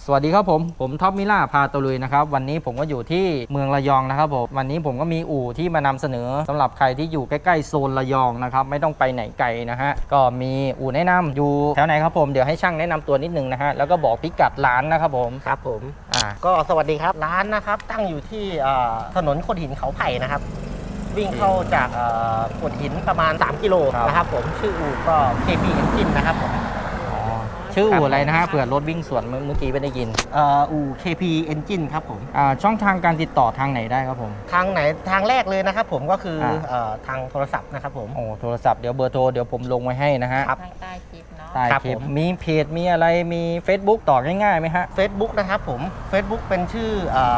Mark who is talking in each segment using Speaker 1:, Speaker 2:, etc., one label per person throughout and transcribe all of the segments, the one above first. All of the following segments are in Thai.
Speaker 1: สวัสดีครับผมท็อปมิล่าพาตะลุยนะครับวันนี้ผมก็อยู่ที่เมืองระยองนะครับผมวันนี้ผมก็มีอู่ที่มานำเสนอสำหรับใครที่อยู่ใกล้ๆโซนระยองนะครับไม่ต้องไปไหนไกลนะฮะก็มีอู่แนะนำอยู่แถวไหนครับผมเดี๋ยวให้ช่างแนะนำตัวนิดนึงนะฮะแล้วก็บอกพิกัดร้านนะครับผม
Speaker 2: ครับผมก็สวัสดีครับร้านนะครับตั้งอยู่ที่ถนนโขดหินเขาไผ่นะครับวิ่งเข้าจากโขดหินประมาณ3กิโลนะครับผมชื่ออู่ก็ KP Engine นะครับผม
Speaker 1: ชื่ออู่อะไรนะฮะเผื่อรถวิ่งสวนเมื่อกี้ไม่ได้ยิน
Speaker 2: อู่ KP Engine ครับผม
Speaker 1: ช่องทางการติดต่อทางไหนได้ครับผม
Speaker 2: ทางแรกเลยนะครับผมก็คือทางโทรศัพท์นะครับผม
Speaker 1: โทรศัพท์เดี๋ยวเบอร์โทรเดี๋ยวผมลงไว้ให้นะฮะ
Speaker 2: ท
Speaker 3: างใต้คลิปเนาะ
Speaker 1: ใต้คลิปมีเพจมีอะไรมี Facebook ต่อง่ายๆไหมฮะ
Speaker 2: Facebook นะครับผม Facebook เป็นชื่อ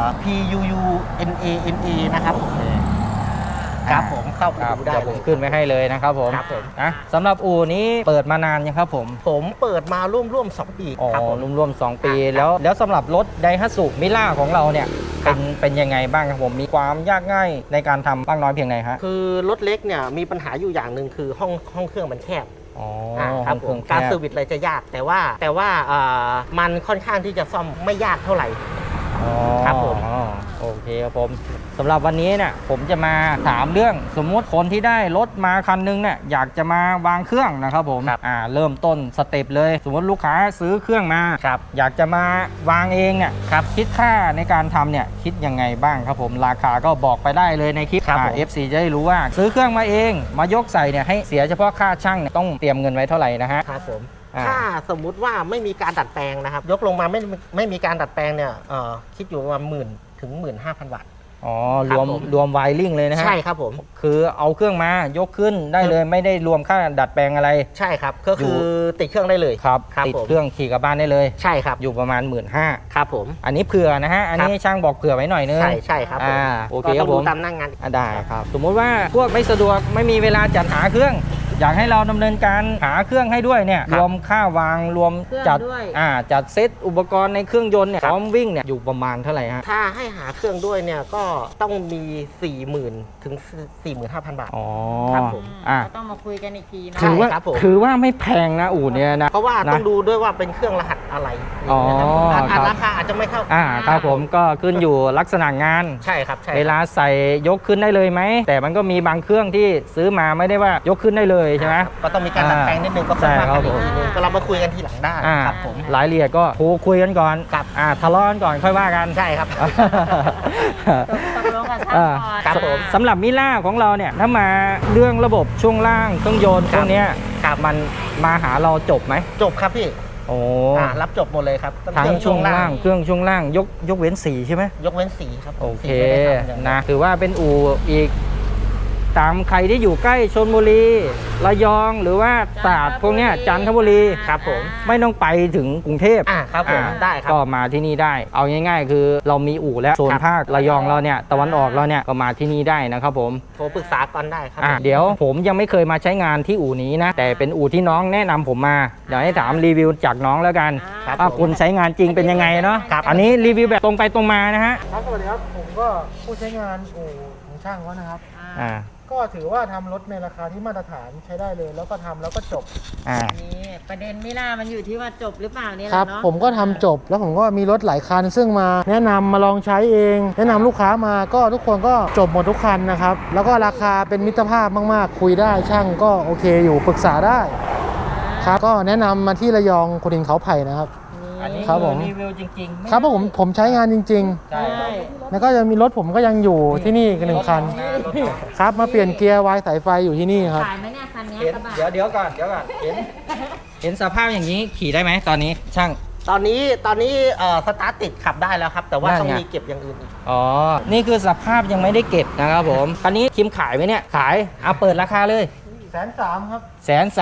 Speaker 2: PUUNANA นะครับครับผมเข้าไปดูได้
Speaker 1: ผมขึ้นไว้ให้เลยนะครับผม
Speaker 2: ครับผม
Speaker 1: นะสำหรับอู่นี้เปิดมานานยังครับผม
Speaker 2: เปิดมาร่วม2 ปี
Speaker 1: ครับผมร่วม2 ปีแล้วสำหรับรถไดฮัตสุมิล่าของเราเนี่ยเป็นยังไงบ้างครับผมมีความยากง่ายในการทำบ้างน้อยเพียงไหนฮะ
Speaker 2: คือรถเล็กเนี่ยมีปัญหาอยู่อย่างหนึ่งคือห้องเครื่องมันแคบ
Speaker 1: ครับ
Speaker 2: ผมการเซอร์วิสอะไรจะยากแต่ว่ามันค่อนข้างที่จะซ่อมไม่ยากเท่าไหร่
Speaker 1: ครับผมโอเคครับผมสำหรับวันนี้เนี่ยผมจะมาถามเรื่องสมมุติคนที่ได้รถมาคันนึงเนี่ยอยากจะมาวางเครื่องนะครับผมเริ่มต้นสเต็ปเลยสมมติลูกค้าซื้อเครื่องมาอยากจะมาวางเองเนี่ยคิดค่าในการทำเนี่ยคิดยังไงบ้างครับผมราคาก็บอกไปได้เลยในคลิปFC จะได้รู้ว่าซื้อเครื่องมาเองมายกใส่เนี่ยให้เสียเฉพาะค่าช่างเนี่ยต้องเตรียมเงินไว้เท่าไหร่นะฮะ
Speaker 2: ครับผมถ้าสมมุติว่าไม่มีการดัดแปลงนะครับยกลงมาไม่มีการดัดแปลงเนี่ยคิดอยู่ประมาณ10,000 ถึง 15,000 บาท
Speaker 1: รวมไวริ่งเลยนะฮะ
Speaker 2: ใช่ครับผม
Speaker 1: คือเอาเครื่องมายกขึ้นได้เลยไม่ได้รวมค่าดัดแปลงอะไร
Speaker 2: ใช่ครับก็คือติดเครื่องได้เลย
Speaker 1: ครับติดเครื่องขี่กลับบ้านได้เลย
Speaker 2: ใช่ครับ
Speaker 1: อยู่ประมาณ 15,000
Speaker 2: ครับผม
Speaker 1: อันนี้เผื่อนะฮะอันนี้ช่างบอกเผื่อไว้หน่อยนึง
Speaker 2: ใช่ครับ
Speaker 1: โอเคครับผม
Speaker 2: ตามหน้างาน
Speaker 1: ได้ครับสมมุติว่าพวกไม่สะดวกไม่มีเวลาจัดหาเครื่องอยากให้เราดำเนินการหาเครื่องให้ด้วยเนี่ยรวมค่าวางรวมจัดเซตอุปกรณ์ในเครื่องยนต์เนี่ยพร้อมวิ่งเนี่ยอยู่ประมาณเท่าไหร่ฮะ
Speaker 2: ถ้าให้หาเครื่องด้วยเนี่ยก็ต้องมี 40,000 ถึง 45,000 บาท
Speaker 3: ครับผมต้องมาคุยกันอีกทีนะ
Speaker 1: ถือว่าไม่แพงนะอู่เนี่ยนะ
Speaker 2: เพราะว่าต้องดูด้วยว่าเป็นเครื่องรหัสอะไรราคาอาจจะไม่เข้า
Speaker 1: ครับผมก็ขึ้นอยู่ลักษณะงาน
Speaker 2: ใช่ครับ
Speaker 1: เวลาใส่ยกขึ้นได้เลยไหมแต่มันก็มีบางเครื่องที่ซื้อมาไม่ได้ว่ายกขึ้นได้เลยใช่ไหม
Speaker 2: ก็ต้องมีการดัดแปลงนิดนึงก็ค่อยว่ากันอีกทีนึงก็เรามาคุยกันทีหลังได้ครับผม
Speaker 1: รายละเอียดก็คุยกันก่อนทะเลาะกันก่อนค่อยว่ากัน
Speaker 2: ใช่ครับ
Speaker 3: ตกลงกันครับ
Speaker 1: ผมสำหรับมิล่าของเราเนี่ยถ้ามาเรื่องระบบช่วงล่างเครื่องยนต์พวกนี้มันมาหาเราจบไหม
Speaker 2: จบครับพี่รับจบหมดเลยครับ
Speaker 1: ทั้งช่วงล่างเครื่องช่วงล่างยกเว้นสีใช่ไหม
Speaker 2: ยกเว้นสีครับ
Speaker 1: โอเคนะถือว่าเป็นอู่อีกตามใครที่อยู่ใกล้ชลบุรีระยองหรือว่าตราดพวกนี้จันทบุรี
Speaker 2: ครับผม
Speaker 1: ไม่ต้องไปถึงกรุงเทพ
Speaker 2: ครับผมได้ครับ
Speaker 1: ก็มาที่นี่ได้เอาง่ายๆคือเรามีอู่แล้วโซนภาคระยองเราเนี่ยตะวันออกเราเนี่ยก็มาที่นี่ได้นะครับผม
Speaker 2: โทรปรึกษาก่อนได้ครับ
Speaker 1: เดี๋ยวผมยังไม่เคยมาใช้งานที่อู่นี้นะแต่เป็นอู่ที่น้องแนะนำผมมาเดี๋ยวให้ถามรีวิวจากน้องแล้วกันว่าคุณใช้งานจริงเป็นยังไงเนาะอันนี้รีวิวแบบตรงไปตรงมานะฮะ
Speaker 4: สวัสดีครับผมก็ผู้ใช้งานอู่ของช่างเขานะครับก็ถือว่าทำรถในราคาที่มาตรฐานใช้ได้เลยแล้วก็ทำแล้วก็จบ
Speaker 3: นี่ประเด็นมิล่ามันอยู่ที่ว่าจบหรือเปล่านี่แหละ
Speaker 4: เนาะผมก็ทำจบแล้วผมก็มีรถหลายคันซึ่งมาแนะนำมาลองใช้เองแนะนำลูกค้ามาก็ทุกคนก็จบหมดทุกคันนะครับแล้วก็ราคาเป็นมิตรภาพมากๆคุยได้ช่างก็โอเคอยู่ปรึกษาได้ครับก็แนะนำมาที่ระยองโขดหินเขาไผ่นะครับ
Speaker 1: อันนี้รีวิวจริง
Speaker 4: ๆครับเพราะผมใช้งานจริงๆใช่แล้วก็จะมีรถผมก็ยังอยู่ที่นี่กัน1 คันครับมาเปลี่ยนเกียร์วายสายไฟอยู่ที่นี่ครับ
Speaker 3: ขายไหมเนี่ยคันนี้
Speaker 1: เดี๋ยวก่อนเห็นสภาพอย่างนี้ขี่ได้ไหมตอนนี้ช่าง
Speaker 2: ตอนนี้สตาร์ทติดขับได้แล้วครับแต่ว่าต้องมีเก็บอย่างอื่นอีก
Speaker 1: นี่คือสภาพยังไม่ได้เก็บนะครับผมคันนี้คิมขายไหมเนี่ยขายเปิดราคาเลย
Speaker 4: 130,000ครับ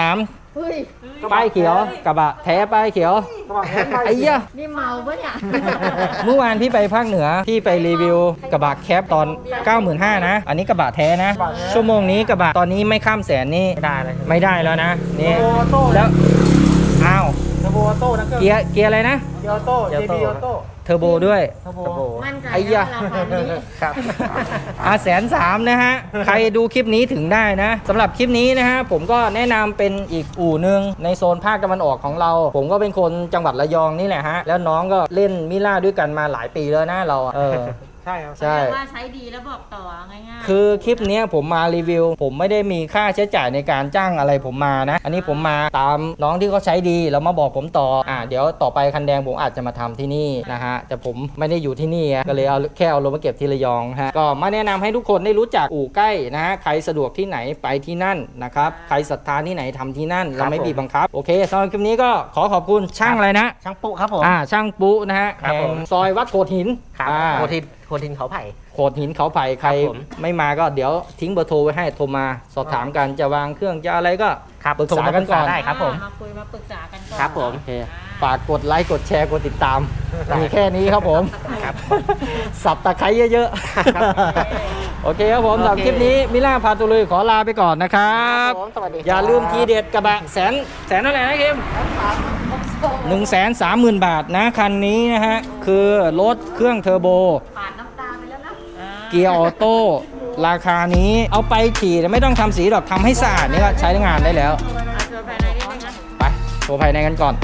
Speaker 1: 130,000ป้ายเขียวกระบะแท้ป้ายเขียวไอ้เหี้ย
Speaker 3: นี่เมาปะเนี่ย
Speaker 1: เมื่อวานพี่ไปภาคเหนือพี่ไปรีวิวกระบะแคปตอน 95,000 นะอันนี้กระบะแท้นะชั่วโมงนี้กระบะตอนนี้ไม่ข้ามแสนนี่ไม่ได้แล้วนะนี่แล้ว
Speaker 4: เทอร์โบออโต้นะ
Speaker 1: เกียร์อะไรนะ
Speaker 4: เกีออโต้
Speaker 2: เกียร์
Speaker 4: JB
Speaker 2: อ
Speaker 4: อ
Speaker 2: อ
Speaker 4: อ
Speaker 2: โต้
Speaker 4: โต้
Speaker 1: เทอร์โบด้วย
Speaker 4: เทอร์โบ
Speaker 2: เทอร์โบ
Speaker 3: มั่นใจ
Speaker 1: ไอ้ยะ
Speaker 3: นะราคานี้
Speaker 2: ครับ
Speaker 1: 130,000นะฮะ ใครดูคลิปนี้ถึงได้นะสำหรับคลิปนี้นะฮะผมก็แนะนำเป็นอีกอู่หนึ่งในโซนภาคตะวันออกของเรา ผมก็เป็นคนจังหวัดระยองนี่แหละฮะแล้วน้องก็เล่นมิล่าด้วยกันมาหลายปีแล้วนะเราอะ
Speaker 4: ใช่ครับ
Speaker 1: ใช่
Speaker 3: เรียกว่าใช้ดีแล้วบอกต่อง่ายๆ
Speaker 1: คือคลิปเนี้ยผมมารีวิว ผมไม่ได้มีค่าใช้จ่ายในการจ้างอะไรผมมานะ อันนี้ผมมาตามน้องที่เขาใช้ดีแล้วมาบอกผมต่อเดี๋ยวต่อไปคันแดงผมอาจจะมาทำที่นี่นะฮะแต่ผมไม่ได้อยู่ที่นี่อะก็เลยเอาแค่เอารถมาเก็บที่ระยองฮะก็มาแนะนำให้ทุกคนได้รู้จักอู่ใกล้นะฮะใครสะดวกที่ไหนไปที่นั่นนะครับใครศรัทธาที่ไหนทำที่นั่นเราไม่บีบบังคับโอเคสำหรับคลิปนี้ก็ขอขอบคุณช่างอะไรนะ
Speaker 2: ช่างปุ๊ครับผม
Speaker 1: ช่างปุ๊นะฮะ
Speaker 2: ครับ
Speaker 1: แห่
Speaker 2: ผ
Speaker 1: ง
Speaker 2: ม
Speaker 1: ซอยวัดโขดหิน
Speaker 2: ครับ
Speaker 1: อ่า
Speaker 2: โคทินเขาไผ่
Speaker 1: โขดหินเขาไผ่ใคร
Speaker 2: ครับผม
Speaker 1: ไม่มาก็เดี๋ยวทิ้งเบอร์โทรไว้ให้โทรมาสอบถามกันจะวางเครื่องจะอะไรก็
Speaker 2: ครับ
Speaker 1: ปรึกษากันก่อน
Speaker 2: ได้ครับผม
Speaker 3: มาคุยมาปรึกษากันก่อน
Speaker 2: ครับผม
Speaker 1: โอเคฝากกดไลค์กดแชร์กดติดตามมีแค่นี้ครับผม
Speaker 2: ครับ
Speaker 1: สับตะไคร้เยอะ
Speaker 2: ครับ
Speaker 1: ๆ โอเคครับผม
Speaker 2: โอเค
Speaker 1: สำหรับคลิปนี้มิล่าพาตุลุยขอลาไปก่อนนะครับ
Speaker 2: ผมสวัสดีครับ
Speaker 1: อย่าลืมทีเด็ดกระบะแสนเท่าไหร่นะคิม130,000 บาทนะคันนี้นะฮะคือรถเครื่องเทอร์โบ
Speaker 3: ปาดน้ำตาไปแล้วนะ
Speaker 1: เกียร์ออโต้ราคานี้เอาไปขี่ไม่ต้องทำสีหรอกทำให้สะอาดนี่ก็ใช้งานได้แล้ว
Speaker 3: เอาตัวภายในนิดนึงนะ
Speaker 1: ไปโชว์ภายในกันก่อน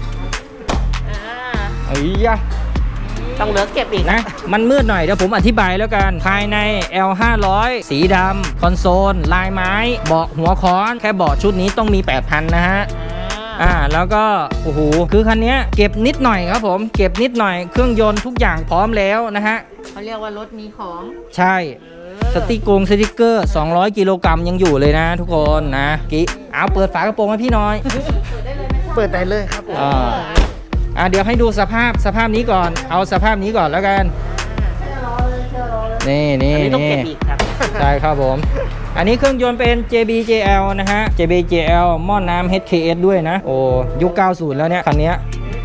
Speaker 3: อ่า
Speaker 1: เอ้ยยะ
Speaker 2: ต้องเหลือเก็บอีก
Speaker 1: นะ มันมืดหน่อยเดี๋ยวผมอธิบายแล้วกัน ภายใน L500 สีดำคอนโซล ลายไม้ เบาะหัวค้อน แค่เบาะชุดนี้ต้องมี 8,000 นะฮะ แล้วก็โอ้โหคือคันนี้เก็บนิดหน่อยครับผม เก็บนิดหน่อยเครื่องยนต์ทุกอย่างพร้อมแล้วนะฮะ
Speaker 3: เขาเรียกว่ารถมีของ
Speaker 1: ใช่สติกเกอร์ 200 กิโลกรัมยังอยู่เลยนะทุกคนนะเอาเปิดฝากระโปรงให้พี่หน้อย
Speaker 2: เปิดได้เลยครับผม
Speaker 1: เดี๋ยวให้ดูสภาพนี้ก่อน เอาสภาพนี้ก่อนแล้วกัน นี่
Speaker 2: อันนี้ต้องเก็บอีกครับ
Speaker 1: ใช่ครับผม อันนี้เครื่องยนต์เป็น JBJL นะฮะ JBJL หม้อน้ำ HKS ด้วยนะ โอ้ยุค 90 แล้วเนี่ย คันเนี้ย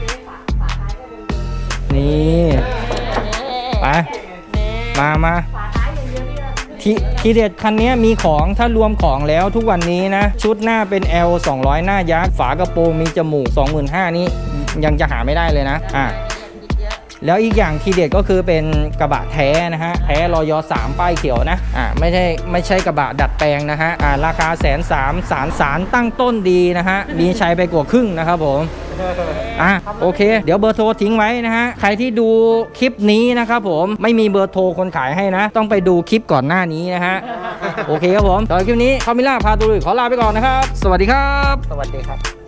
Speaker 1: นี่ไปมาทีเด็ดคันนี้มีของถ้ารวมของแล้วทุกวันนี้นะ ชุดหน้าเป็น L 200 หน้ายักษ์ฝากระโปรงมีจมูก 25,000นี้ยังจะหาไม่ได้เลยนะแล้วอีกอย่างทีเด็ดก็คือเป็นกระบะแท้นะฮะแท้รอย3ป้ายเขียวนะไม่ใช่กระบะดัดแปลงนะฮะราคา130,000สารตั้งต้นดีนะฮะมีใช้ไปกว่าครึ่งนะครับผมโอเคเดี๋ยวเบอร์โทรทิ้งไว้นะฮะใครที่ดูคลิปนี้นะครับผมไม่มีเบอร์โทรคนขายให้นะ ต้องไปดูคลิปก่อนหน้านี้นะฮะโอเคครับผมตอนคลิปนี้คามิล่าพาตุลุยขอลาไปก่อนนะครับสวัสดีครับ
Speaker 2: สวัสดีครับ